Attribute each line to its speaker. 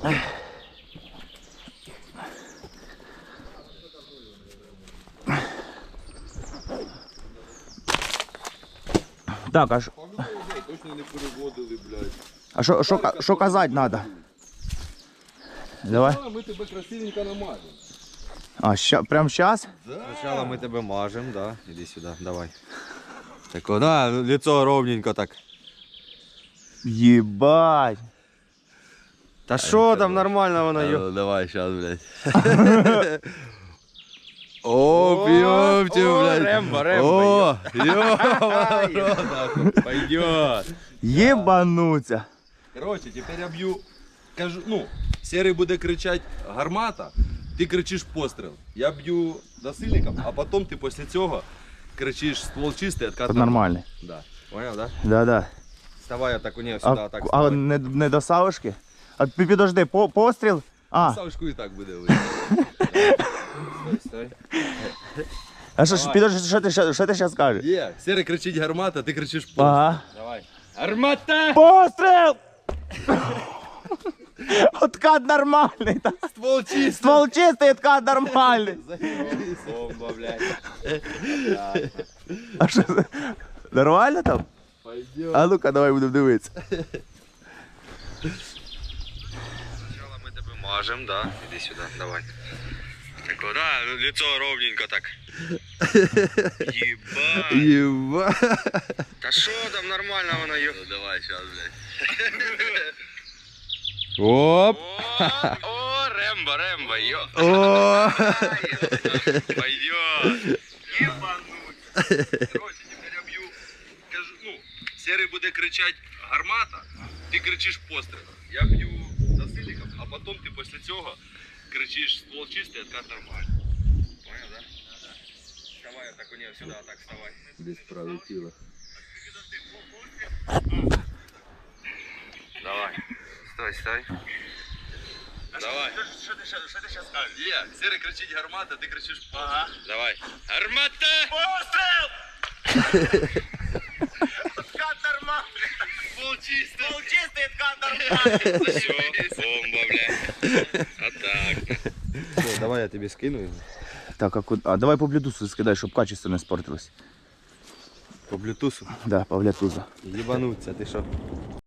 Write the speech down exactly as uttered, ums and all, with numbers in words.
Speaker 1: Так, а що?
Speaker 2: Точно не переводили, блядь.
Speaker 1: А що, що, що казати треба? Давай.
Speaker 2: А, ми тебе красивенько намажемо.
Speaker 1: А, ща, прям зараз?
Speaker 3: Сначала мы тебя мажем, да. Иди сюда, давай. Так, вот, да, лицо ровненько так.
Speaker 1: Єбать.
Speaker 3: Та що там нормально воно, йо.
Speaker 2: Давай, сейчас, блядь. О, пьемте, блядь.
Speaker 3: Рембо, Рембо.
Speaker 2: О, ё, пойдет.
Speaker 1: Єбануться.
Speaker 2: Короче, теперь я б'ю, кажу, ну, Серий буде кричати гармата, ти кричиш постріл. Я б'ю насильником, а потім ти після цього кричиш ствол чистий, откат.
Speaker 1: Нормально.
Speaker 2: Да. Понял, да?
Speaker 1: Да-да.
Speaker 3: Вставай, я так у нее сюда,
Speaker 1: А,
Speaker 3: так
Speaker 1: а
Speaker 3: вставай.
Speaker 1: не, не до Савушки? А пі- підожди, по, постріл? А,
Speaker 2: Савушку і так буде видно.
Speaker 3: Стой, стой.
Speaker 1: а що, ж, підожди, що ти, що, що ти зараз скажеш?
Speaker 2: Є, Серий кричить гармата, ти кричиш постріл.
Speaker 1: Ага.
Speaker 3: Давай. Армата!
Speaker 1: Постріл! Откат нормальний. та.
Speaker 2: Ствол чистий.
Speaker 1: Ствол чистий, откат нормальний.
Speaker 3: Бомба, блядь.
Speaker 1: А що це? Нормально там?
Speaker 2: Пойдет.
Speaker 1: А ну-ка, давай будемо дивитися.
Speaker 3: Сначала мы тебя мажем, да. Иди сюда, давай. Так вот, да, лицо ровненько так. Ебать.
Speaker 2: Єба.
Speaker 3: Да что там нормально воно, йо.
Speaker 2: Давай, сейчас, блядь.
Speaker 3: Оп. О, о, Рембо, Рембо, йо.
Speaker 2: О.
Speaker 3: Пойдет. Ебануть. Короче, теперь я бью, кажу, ну, Серий буде кричати гармата, ти кричиш постріл. Я б'ю насильником, а потім ти після цього кричиш ствол чистий, откат нормально. Понял, да? Да. Вставай, я так у нее сюда, так вставай.
Speaker 2: Десь пролетіло.
Speaker 3: Давай. Стой, стой. Давай.
Speaker 1: Що ти зараз скажеш?
Speaker 2: Є, Серий кричить гармата, ти кричиш постріл.
Speaker 1: Ага.
Speaker 3: Давай. Армата!
Speaker 1: Постріл! Откат нормальний.
Speaker 3: Ствол чистий.
Speaker 1: Ствол чистий, откат нормальний.
Speaker 3: Все, бомба, блядь. А так. Все, давай я тебе скину его.
Speaker 1: Так, а, куди? А давай по блютусу скидай, щоб качество не спортилось.
Speaker 3: По блютусу.
Speaker 1: Да, по блютусу.
Speaker 3: Ебануться, ты что?